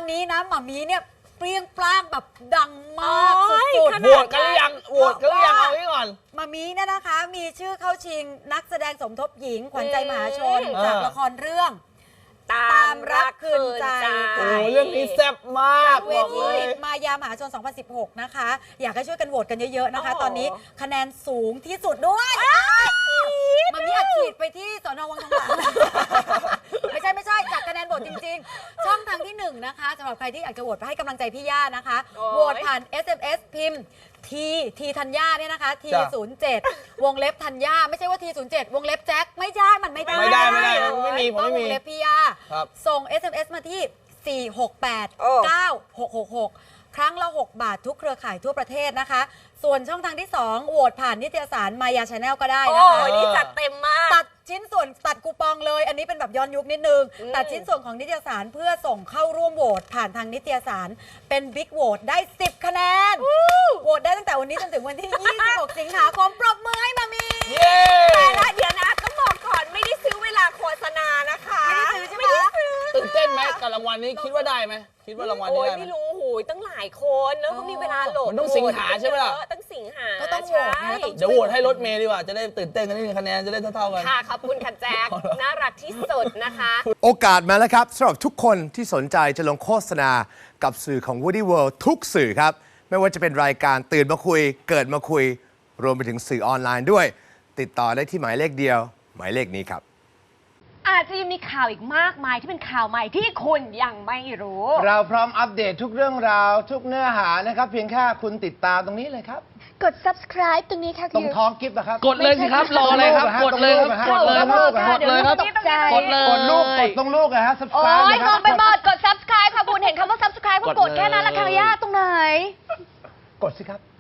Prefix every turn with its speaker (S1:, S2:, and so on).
S1: อนนี้นะหม่ามีเนี่ยเปรี้ยงปร้างแบบดังมากสุดๆ
S2: โหวตกันหรือยังโหวตกันหรือยังเอาไว้ก่อน
S1: หม่ามีเนี่ยนะคะมีชื่อเข้าชิงนักแสดงสมทบหญิงขวัญใจมหาชนจากละครเรื่องตามรักคืนใจ
S2: โอ้เรื่องนี้แซ่บมาก
S1: เวทีมายามหาชน 2016 นะคะอยากให้ช่วยกันโหวตกันเยอะๆนะคะตอนนี้คะแนนสูงที่สุดด้วยมันมีอัดฉีดไปที่สน.วังทองหลางไม่ใช่จากคะแนนโหวตจริงๆช่องทางที่1นะคะสำหรับใครที่อยากจะโหวตไปให้กำลังใจพี่ย่านะคะโหวตผ่าน SMS พิมพ์ทีธัญญาเนี่ยนะคะที07วงเล็บธัญญาไม่ใช่ว่าที07วงเล็บแจ็คไม่ใช่มันไม่ได้
S2: ไม่มีผมไม่มี
S1: วงเล็บพี่ย่าส่ง SMS มาที่ 4689666 ครั้งละ6 บาททุกเครือข่ายทั่วประเทศนะคะส่วนช่องทางที่2โหวตผ่านนิตยสารมายาชาแนลก็ได้นะคะ
S3: โอ้นี่จัดเต็มมาก
S1: ตัดชิ้นส่วนตัดคูปองเลยอันนี้เป็นแบบย้อนยุคนิดนึงตัดชิ้นส่วนของนิตยสารเพื่อส่งเข้าร่วมโหวตผ่านทางนิตยสารเป็นบิ๊กโหวตได้10คะแนนโหวตได้ตั้งแต่วันนี้จนถึงวันที่ 26 สิงหาคมปรบมือให้มามี
S3: แต่ละเดี๋ยวนะต้องบอกก่อนไม่ได้ซื้อเวลาโฆษณานะคะ
S1: ไม่ได้ซื้อใช่ไหม
S2: ตื่นเต้นไหมกับรางวัลนี้คิดว่าได้ไหมคิดว่ารางวัลนี้ได้ไหม
S3: ไม่รู้หูยตั้งหลายคนแล้วก็มีเวลาโหลด
S2: มันต้องสิงหาใช่ไหมล่ะ
S3: ต้องสิงหา
S1: ก็ต้องโหวตนะ
S2: เดี๋ยวโหวตให้รถเมย์ดีกว่าจะได้ตื่นเต้นกันนิดนึงคะแนนจะได้เท่าๆกัน
S3: ค่ะขอบคุณค่ะแจ็คน่ารักที่สุดนะคะ
S4: โอกาสมาแล้วครับสำหรับทุกคนที่สนใจจะลงโฆษณากับสื่อของ Woody World ทุกสื่อครับไม่ว่าจะเป็นรายการตื่นมาคุยเกิดมาคุยรวมไปถึงสื่อออนไลน์ด้วยติดต่อได้ที่หมายเลขเดียวหมายเลขนี้ครับ
S5: อาจจะยังมีข่าวอีกมากมายที่เป็นข่าวใหม่ที่คุณยังไม่รู้
S6: เราพร้อมอัปเดตทุกเรื่องราวทุกเนื้อหานะครับเพียงแค่คุณติดตามตรงนี้เลยครับ
S5: กด subscribe ตรงนี้ค่ะ
S6: ตรงท้องกิฟต์นะครับ
S2: กดเลยสิครับรออะไรครับกดเลยครับกดเลยครับกดเลยครับกดเลย
S6: กดลูกกดตรงลูกนะฮะ
S5: โอ้
S6: subscribe
S5: ยมองไปหมดกด subscribe ค่ะคุณเห็นคำว่า subscribe ก็กดแค่นั้นละค่ะย่าตรงไหน
S6: กดสิครับ